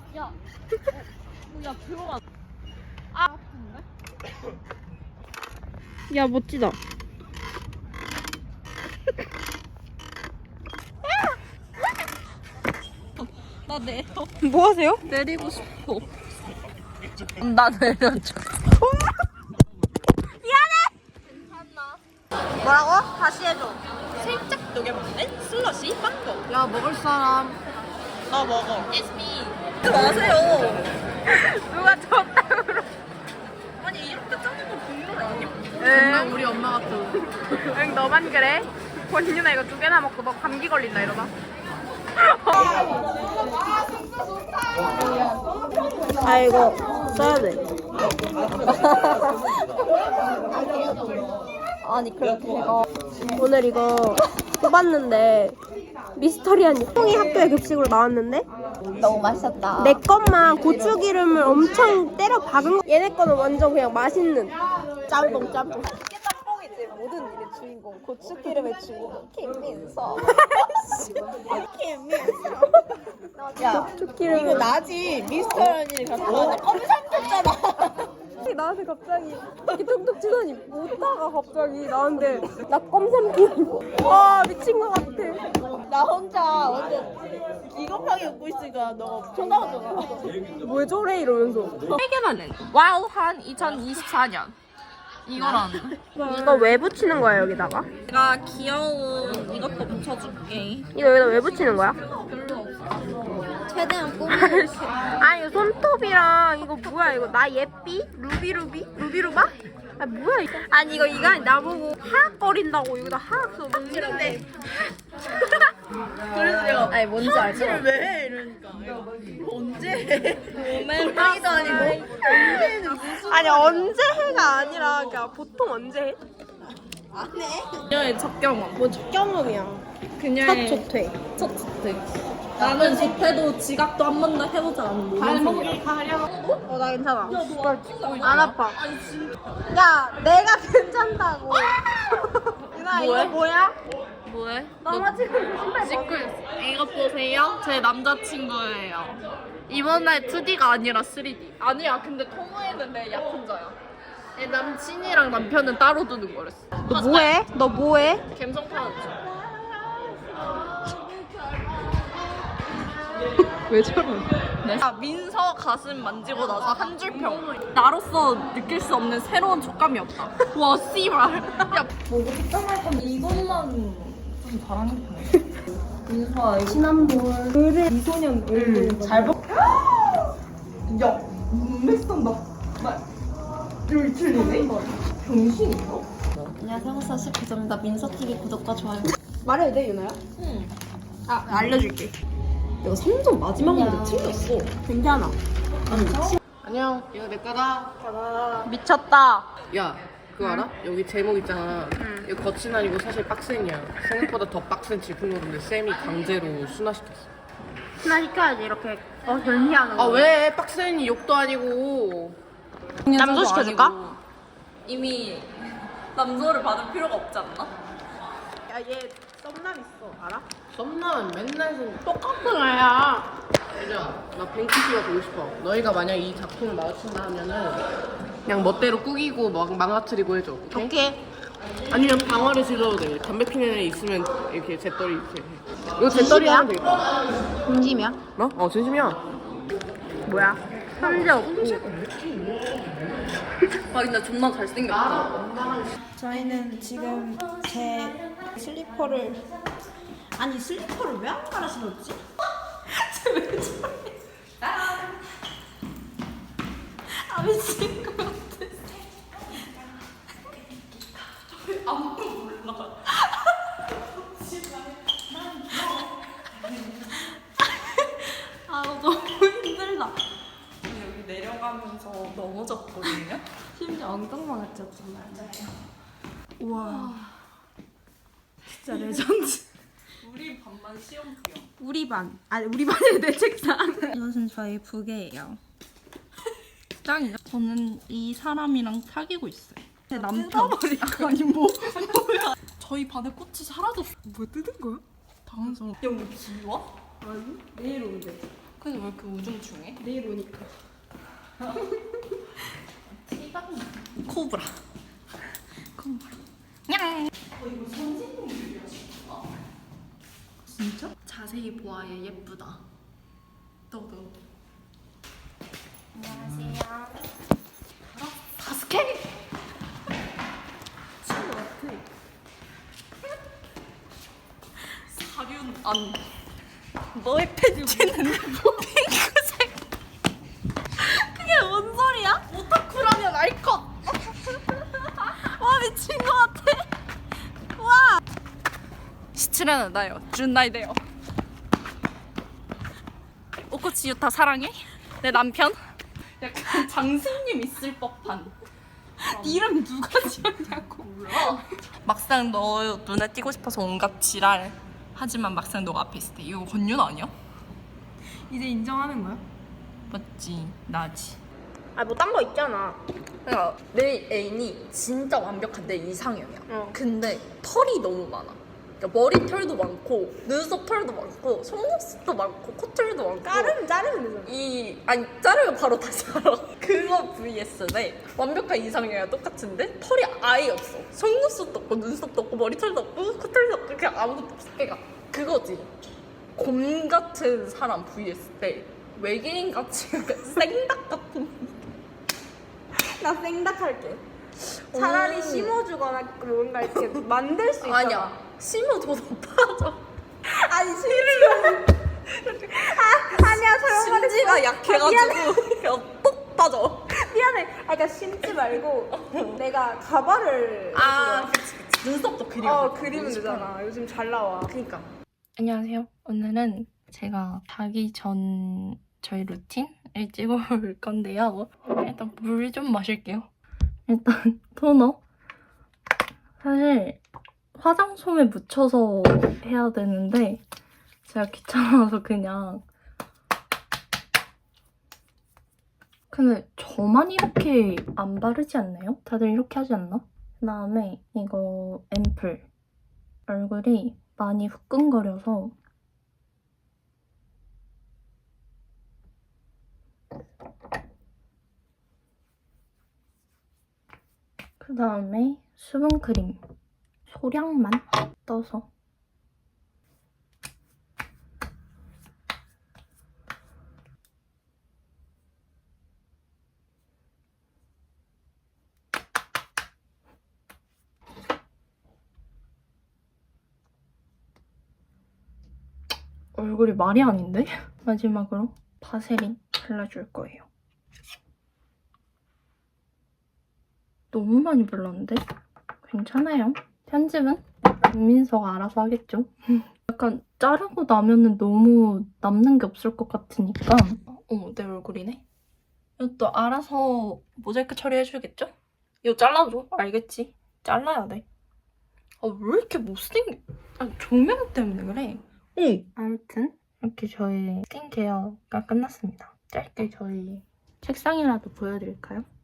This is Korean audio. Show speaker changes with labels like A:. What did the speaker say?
A: 야, 야 들어가. 아, 아픈데?
B: 야 멋지다.
A: 나 내려.
B: 뭐 하세요?
A: 내리고 싶어. 나 내려줘.
B: 뭐라고? 다시 해줘.
A: 살짝 녹여먹는 슬러시 빵도.
B: 야 먹을 사람.
A: 나 먹어. It's me. 마세요.
B: 누가 줬다 그러.
A: 아니 이렇게 짜는 거 국물 아니야?
B: 응. 우리 엄마 같아. 응 너만 그래. 권윤아 이거 2개나 먹고 너 감기 걸린다 이러다. 아 이거 써야 돼. 아니 그렇게 제가 오늘 이거 뽑았는데 미스터리한 콩이 학교에 급식으로 나왔는데
A: 너무 맛있었다.
B: 내 것만 고추기름을 엄청 때려 박은 거. 얘네 거는 완전 그냥 맛있는 짬뽕.
A: 짬뽕이지 모든 일의 주인공 고추기름의 주인공 김민서. 김민서. 야
B: 고추기름.
A: 이거 나지 미스터리를 갖고 왔는데 껌삼켰잖아.
B: 나한테 갑자기 이렇게 툭툭 치더니 웃다가 갑자기 나한테 나 껌삼킴. 와 미친 것 같아.
A: 나 혼자 완전 기겁하게 웃고 있으니까 너가 쳐다보잖아.
B: 왜 저래 이러면서.
A: 3개만 낸 와우한 2024년 이거랑
B: 이거 왜 붙이는 거야 여기다가?
A: 내가 귀여운 이것도 붙여줄게.
B: 이거 여기다 왜 붙이는 거야?
A: 최대한 꾸미.
B: 아니 손톱이랑 이거 뭐야 이거 나 예삐? 루비루바? 아 뭐야 이거. 아니 이거 나보고 하악거린다고 여기다 하악 써놓는데.
A: 그래서 내가
B: 아니 뭔지 알죠?
A: 왜 해? 이러니까 이거 언제 해? 고양이도 아니고 언제는 무슨
B: 아니 언제 해가 아니라 그냥 보통 언제 해?
A: 안 해? 그녀의 첫 경험.
B: 뭐 첫 경험이야.
A: 그녀의
B: 첫 조퇴.
A: 첫 조퇴. 나는 조퇴도 지각도 한 번도 해보지 않은
B: 발목이 가려. 나 괜찮아. 안 아파. 야, 내가 괜찮다고. 유나 이거 뭐야?
A: 뭐해?
B: 너가 지금 신발
A: 찍고 있어. 이거 보세요. 제 남자친구예요. 이번 날 2D가 아니라 3D. 아니야. 근데 토모에는 내 약혼자야. 내 남친이랑 남편은 따로 두는 거랬어.
B: 너 뭐해? 너 뭐해?
A: 감성 파였죠.
B: 왜 저래?
A: 아, 민서 가슴 만지고 나서 한 줄 평. 나로서 느낄 수 없는 새로운 촉감이었다. 와, 씨발. 야, 뭐고 특정할 건데 이것만 좀 잘하는 편이야. 민서야, 이거.
B: 지난번 을의 미소년
A: 잘 봐. 야, 눈매선 나 여기 틀리네? 병신인가? 안녕하세요, 호사씨 구정답 민서TV 구독과 좋아요.
B: 말해도 돼, 유나야?
A: 응.
B: 아, 알려줄게.
A: 내가 3점 마지막 문제 틀렸어.
B: 괜찮아.
C: 안녕, 이거 내 거다.
B: 미쳤다.
C: 야, 그거 알아? 여기 제목 있잖아. 이거 거친 아니고 사실 빡센이야. 생각보다 더 빡센 질풍노도인데 쌤이 강제로 순화시켰어.
B: 하나 시켜야지, 이렇게. 변희하는 거.
C: 아, 왜? 빡센이 욕도 아니고.
B: 남도 시켜줄까?
A: 이미 남조를 받을 필요가 없지 않나?
B: 야, 얘 썸남 있어. 알아?
C: 썸남 맨날
B: 똑같은 애야.
C: 얘들아, 나 뱅키씨가 보고 싶어. 너희가 만약 이 작품을 마주친다 하면은 그냥 멋대로 꾸기고 망가뜨리고 해줘. 오케이?
B: 오케이.
C: 아니면 방화를 질러도 돼. 담배 피는 애 있으면 이렇게 재떨이 이렇게 해. 이거 재떨이 하면 되겠다.
B: 진심이야?
C: 뭐? 진심이야.
B: 뭐야? 현재 없고.
A: 아 근데 존나 잘생겼다.
D: 저희는 지금 제 슬리퍼를 슬리퍼를 왜 안 갈아 신었지? 쟤왜 저래? 아 미친 것 같아. 아무도 몰라. 아 너무 힘들다. 여기 내려가면서 넘어졌거든요. 심지어 엉덩방아 쪘잖아요. 우와. 진짜 레전드.
A: 우리 반만 시험부야.
D: 우리 반. 아니 우리 반이 내 책상. 이것은 저희 부계예요. 짱이죠? 저는 이 사람이랑 사귀고 있어요. 제 남편. 아니 뭐야? 저희 반에 꽃이 사라졌어. 뭐 뜯은 거야? 당황스러워.
A: 여기 지워?
D: 아니 내일 온대.
A: 근데 왜 이렇게 우중충해?
B: 내일 오니까.
A: 코브라. 코브라. 냥. 이거 선생님들이야 진짜. 진짜? 자세히 보아야 예쁘다. 너도.
B: 안녕하세요.
A: 바스켓.
B: 친구 같아.
A: 사륜 안. 너의 팬티는 뭐 핑크색. 그게 뭔 소리야? 오타쿠라면 알 것. 와 미친 것 같아. 와. 시츠라는 나요. 준나이데요. 오코치 유타 사랑해? 내 남편? 약간 장승님 있을 법한. 이름 누가 지었냐고. 몰라. 막상 너 눈에 띄고 싶어서 온갖 지랄. 하지만 막상 너가 앞에 있을 때 이거 권윤 아니야?
B: 이제 인정하는 거야?
A: 맞지. 나지.
B: 아 뭐 딴 거 있잖아.
A: 그러니까 내 애인이 진짜 완벽한 내 이상형이야.
B: 어.
A: 근데 털이 너무 많아. 그러니까 머리털도 많고 눈썹 털도 많고 속눈썹도 많고 코털도 많고
B: 자르면 되잖아.
A: 아니 자르면 바로 다시 알아. 그거 vs인데 완벽한 이상형이랑 똑같은데 털이 아예 없어. 속눈썹도 없고 눈썹도 없고 머리털도 없고 코털도 없고 그냥 아무것도 없어. 그러니까 그거지. 곰 같은 사람 vs 때 외계인 같이 생닭 같은.
B: 나 생각할게. 차라리 심어주거나 뭔가 이렇게 만들 수 있잖아.
A: 아니야. 심어줘서 빠져.
B: 아니 심지어. 아니야 잘못
A: 심지가 약해가지고 그냥 똑 빠져.
B: 미안해. 아 그러니까 심지 말고 내가 가발을
A: 그치. 눈썹도 그리고.
B: 그리면 되잖아. 요즘 잘 나와.
A: 그니까.
D: 안녕하세요. 오늘은 제가 자기 전 저희 루틴을 찍어볼 건데요. 일단 물 좀 마실게요. 일단 토너. 사실 화장솜에 묻혀서 해야 되는데 제가 귀찮아서 그냥. 근데 저만 이렇게 안 바르지 않나요? 다들 이렇게 하지 않나? 그다음에 이거 앰플. 얼굴이 많이 후끈거려서 그 다음에 수분크림 소량만 떠서 얼굴이 말이 아닌데? 마지막으로 바세린 발라줄 거예요. 너무 많이 발랐는데? 괜찮아요. 편집은 민서가 알아서 하겠죠. 약간 자르고 나면은 너무 남는 게 없을 것 같으니까. 어머, 내 얼굴이네. 이것도 알아서 모자이크 처리해주겠죠? 이거 잘라줘. 알겠지? 잘라야 돼. 왜 이렇게 못생겨? 조명 때문에 그래. 아무튼 이렇게 저희 스킨케어가 끝났습니다. 짧게 저희 책상이라도 보여드릴까요?